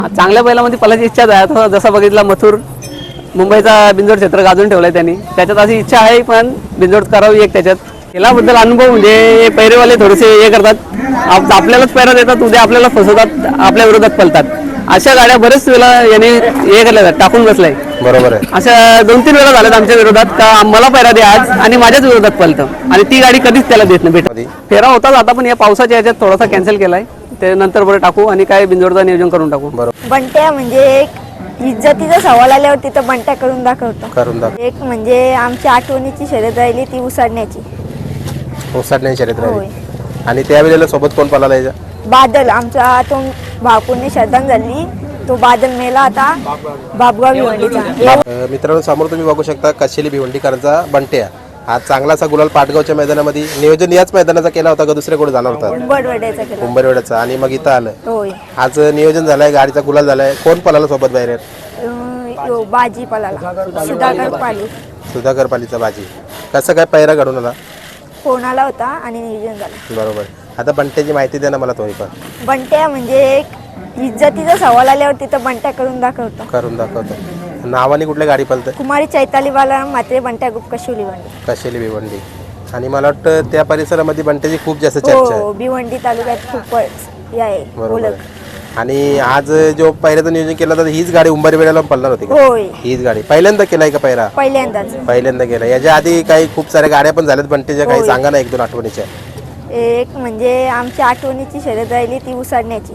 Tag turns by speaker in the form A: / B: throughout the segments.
A: चांगल्या बैलामध्ये पळायची इच्छा आहे. आता जसा बघितला मथुर मुंबईचा बिंजोड क्षेत्र गाजून ठेवलाय त्यांनी, त्याच्यात अशी इच्छा आहे पण बिंजोड करावी एक त्याच्यात. खेळाबद्दल अनुभव म्हणजे पैरेवाले थोडेसे हे करतात, आपल्यालाच पैरा देतात, उद्या आपल्याला फसवतात, आपल्या विरोधात पळतात. अशा गाड्या बरेच वेळा याने हे केल्या टाकून बसलाय.
B: बरोबर आहे.
A: अशा 2-3 वेळा झाल्यात आमच्या विरोधात का मला पैरा द्या आज आणि माझ्याच विरोधात पळतं आणि ती गाडी कधीच त्याला देत नाही भेटत. फेरा होताच आता पण या पावसाच्या याच्यात थोडासा कॅन्सल केलाय, ते नंतर बरं टाकू आणि काय बिंजोडचं नियोजन करून टाकू.
C: बंट्या म्हणजे एक इज्जतीचा सवाल आल्यावर तिथं बंट्या करून दाखवतो. एक म्हणजे आमच्या आठवणीची शर्यत राहिली ती उसाडण्याची
B: शर्यत राहिली. आणि त्यावेळेला सोबत कोण पळाला याच्या?
C: बादल. आमचा तो भावपूर्ण श्रद्धांजली, तो बादल मेला आता बाबगाव भिवंडीचा.
B: मित्रांनो, समोर तुम्ही बघू शकता कशेली भिवंडीकरांचा बंट्या. आज चांगलासा गुलाल पाटगावच्या मैदानामध्ये नियोजन याच मैदानाचा केला होता का दुसऱ्या कुठे जाणार होता? उंबरवेड्याचा. आणि मग इथं आलं. आज नियोजन झालंय, गाडीचा गुलाल झालाय. कोण पळाला सोबत बाहेर?
C: बाजी पळाला,
B: सुधाकर पालीचा बाजी. कसं काय पैरा घडून आला?
C: फोन आला होता आणि नियोजन झालं.
B: बरोबर. आता बंट्याची माहिती द्या ना मला थोडीफार.
C: बंट्या म्हणजे एक इज्जतीचा सवाल आल्यावर तिथं बंट्या करून दाखवतो.
B: नावाने कुठल्या गाडी पळते?
C: कुमारी चैताली बाला मात्रे बंट्या ग्रुप
B: कशेली भिवंडी. आणि मला वाटतं त्या परिसरामध्ये बंट्याची खूप जास्त चर्चा आहे.
C: भिवंडी तालुक्यात खूपच आहे.
B: बरोबर. आणि आज जो पहिल्याचं नियोजन केलं तर हीच गाडी उंबरवेड्याला पळणार होती का? हीच गाडी पहिल्यांदा केलाय का पहिला? पहिल्यांदा केला. याच्या आधी काही खूप साऱ्या गाड्या पण झाल्यात बंट्याच्या, काही सांगा ना 1-2 आठवणीच्या.
C: एक म्हणजे आमच्या आठवणीची शर्यत राहिली ती उसाडण्याची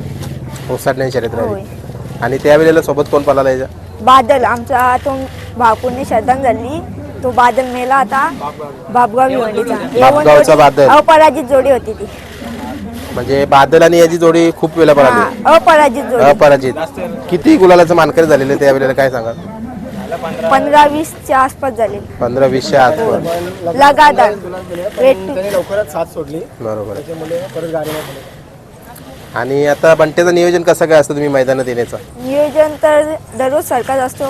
B: शर्यत राहिली. आणि त्यावेळेला सोबत कोण पळाला याच्या?
C: बादल. आमचा तो भावपूर्ण श्रद्धांजली, तो बादल मेला आता बाबगाव भिवंडीचा.
B: बादल
C: अपराजित जोडी होती ती.
B: म्हणजे बादल आणि याची जोडी खूप वेळा पळाली. अपराजित. किती गुलालाचं मानकरी झालेले त्यावेळेला काय सांगा?
C: 15-20च्या आसपास झाले.
B: 15-20च्या आसपास
C: लगातार
D: लवकरच साथ सोडली.
B: बरोबर.
D: परत गाडी.
B: आणि आता बंट्याचं नियोजन कसं काय असतं तुम्ही मैदानात येण्याचं?
C: नियोजन तर दररोज सारखाच असतो.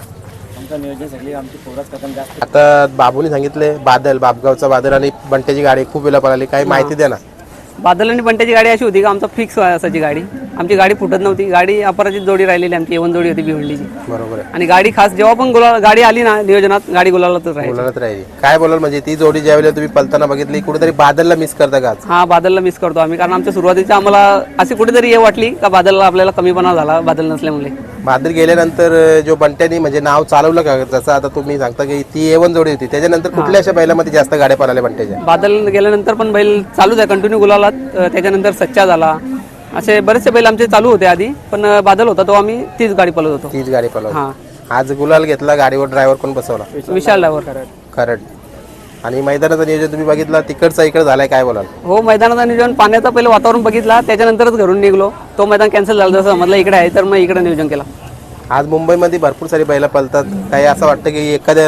B: आता बाबूने सांगितले बाबगावचा बादल आणि बंट्याची गाडी खूप वेळा पळाली, काही माहिती द्या ना.
A: बादल आणि बंट्याची गाडी अशी होती का आमचा फिक्स असायची गाडी, आमची गाडी फुटत नव्हती. गाडी अपराजित जोडी राहिलेली आमची, A1 जोडी होती भिवंडीची.
B: बरोबर आहे.
A: आणि गाडी खास जेव्हा पण गाडी आली ना नियोजनात, गाडी गुलालातच
B: राहिली. काय बोलाल म्हणजे ती जोडी ज्यावेळेला तुम्ही पळताना बघितली कुठेतरी बादलला मिस करता का?
A: हा, बादलला मिस करतो आम्ही, कारण आमच्या सुरुवातीच्या आम्हाला अशी कुठेतरी हे वाटली का बादलला आपल्याला कमीपणा झाला बादल नसल्यामुळे.
B: बादल गेल्यानंतर जो बंट्यानी म्हणजे नाव चालवलं का? जसं आता तुम्ही सांगता की ती A1 जोडी होती, त्याच्यानंतर कुठल्या अशा बैलामध्ये जास्त गाड्या पळाल्या बंट्याच्या?
A: बादल गेल्यानंतर पण बैल चालूच आहे कंटिन्यू गुलालात. त्याच्यानंतर सच्चा झाला, असे बरेचसे बैल आमचे चालू होते आधी, पण बादल होता तो आम्ही तीच गाडी पळवत होतो.
B: हा. आज गुलाल घेतला, गाडीवर ड्रायव्हर कोण बसवला?
A: विशाल ड्रायव्हर
B: खरड. आणि मैदानाचं नियोजन तुम्ही बघितला, तिकडचा इकडे झालाय, काय बोलाल?
A: हो, मैदानाचं नियोजन पाण्याचं पहिलं वातावरण बघितला, त्याच्यानंतरच घरून निघलो. तो मैदान कॅन्सल झालं, जसं म्हटलं इकडे आहे तर मग इकडे नियोजन केला.
B: आज मुंबईमध्ये भरपूर सारी बैला पळतात, काही असं वाटतं की एखाद्या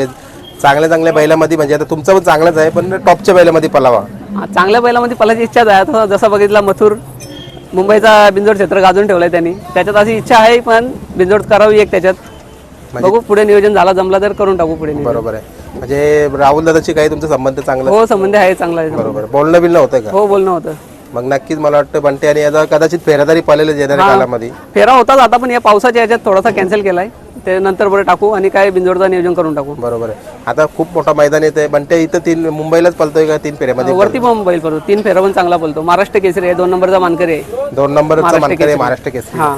B: चांगल्या बैलामध्ये, म्हणजे आता तुमचं पण चांगलंच आहे, पण टॉपच्या बैलामध्ये पळावा.
A: चांगल्या बैलामध्ये पळायची इच्छा आहे. आता जसा बघितला मथुर मुंबईचा बिंजोड क्षेत्र गाजून ठेवलाय त्यांनी, त्याच्यात अशी इच्छा आहे पण बिंजोड करावी एक त्याच्यात. बघू पुढे नियोजन झाला, जमला तर करून टाकू पुढे.
B: बरोबर आहे. म्हणजे राहुल दादाची काही तुमचा संबंध चांगला?
A: हो, संबंध आहे, चांगला आहे.
B: बरोबर. बोलणं बिलणं होतं का?
A: हो, बोलणं होतं.
B: मग नक्कीच मला वाटतं बंटे आणि याचा कदाचित फेरादारी पळलेलं येणाऱ्या कालामध्ये.
A: फेरा होताच आता पण या पावसाच्या याच्यात थोडासा कॅन्सल केलाय, ते नंतर बरं टाकू आणि काय बिंजोडचं नियोजन करून टाकू.
B: बरोबर आहे. आता खूप मोठा मैदान येते बंटे, इथं मुंबईलाच पळतोय का 3 फेऱ्यामध्ये?
A: वरती पण बैल पळतो, 3 फेरा पण चांगला पळतो. महाराष्ट्र केसरी आहे, 2 नंबरचा मानकरी आहे.
B: 2 नंबरचा मानकरी आहे महाराष्ट्र केसरी.
A: हा.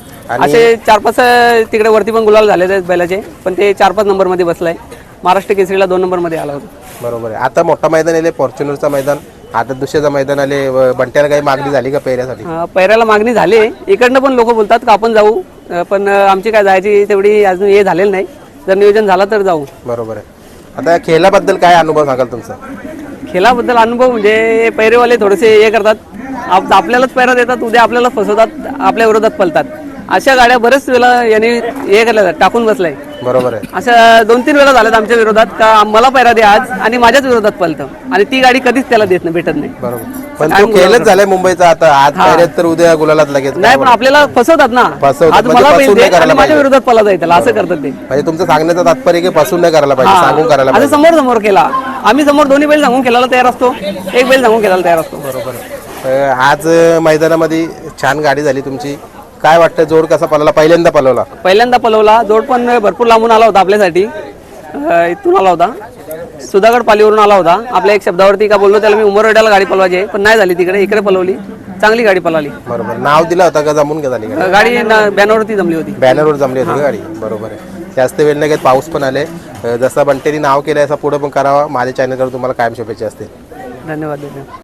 A: असे 4-5 तिकडे वरती पण गुलाल झालेले आहेत बैलाचे, पण ते 4-5 नंबर मध्ये बसलाय. महाराष्ट्र केसरीला 2 नंबर मध्ये आला होता.
B: बरोबर आहे. आता मोठा मैदान आले, फॉर्च्युनरचा मैदान, आता दुसऱ्याचं मैदान आले. बंट्याला काही मागणी झाली का पैऱ्यासाठी?
A: पैऱ्याला मागणी झाली. इकडनं पण लोक बोलतात का आपण जाऊ, पण आमची काय जायची तेवढी अजून हे झालेलं नाही. जर नियोजन झालं तर जाऊ.
B: बरोबर आहे. आता खेळाबद्दल काय अनुभव सांगाल तुमचा?
A: खेळाबद्दल अनुभव म्हणजे पैरेवाले थोडेसे हे करतात, आपल्यालाच पैरा देतात, उद्या आपल्याला फसवतात, आपल्या विरोधात पळतात. अशा गाड्या बरेच वेळा यांनी हे केल्या टाकून बसलाय.
B: बरोबर आहे.
A: अशा 2-3 वेळा झाल्यात आमच्या विरोधात का मला पैरा द्या आज आणि माझ्याच विरोधात पळतं आणि ती गाडी कधीच त्याला देत नाही, भेटत नाही.
B: बरोबर. पण तो खेळच झालाय मुंबईचा, आता आज पैऱ्यात तर उद्या गुलालात लगेच.
A: नाही, पण आपल्याला फसवतात ना, आज मला पैसे माझ्या विरोधात पळा जाईल त्याला, असं करतात ते.
B: म्हणजे तुमचं सांगण्याचं तात्पर्य की फसून नाही करायला पाहिजे, सांगून करायला पाहिजे.
A: समोर समोर केला आम्ही, समोर दोन्ही बैल सांगून खेळायला तयार असतो, एक बैल सांगून खेळायला तयार असतो.
B: बरोबर. आज मैदानामध्ये छान गाडी झाली तुमची. काय वाटतं जोड कसा पळवला, पहिल्यांदा पळवला?
A: पहिल्यांदा पलवला. जोड पण भरपूर लांबून आला होता आपल्यासाठी. इथून आला होता, सुधागड पालीवरून आला होता. आपल्या एक शब्दावरती का बोललो त्याला मी उमरवाड्याला गाडी पलवायची आहे, पण नाही झाली तिकडे, इकडे पलवली. चांगली गाडी पळाली.
B: बरोबर. नाव दिला होता का जमून का झाली गाडी?
A: गाडी बॅनरवरती जमली होती.
B: बॅनरवर जमली होती गाडी. बरोबर आहे. जास्त वेळ नाही घेत, पाऊस पण आले. जसं बंटेनी नाव केलं असं पुढे पण करावा. माझ्या चॅनलवर तुम्हाला कायम शुभेच्छा असतील.
A: धन्यवाद.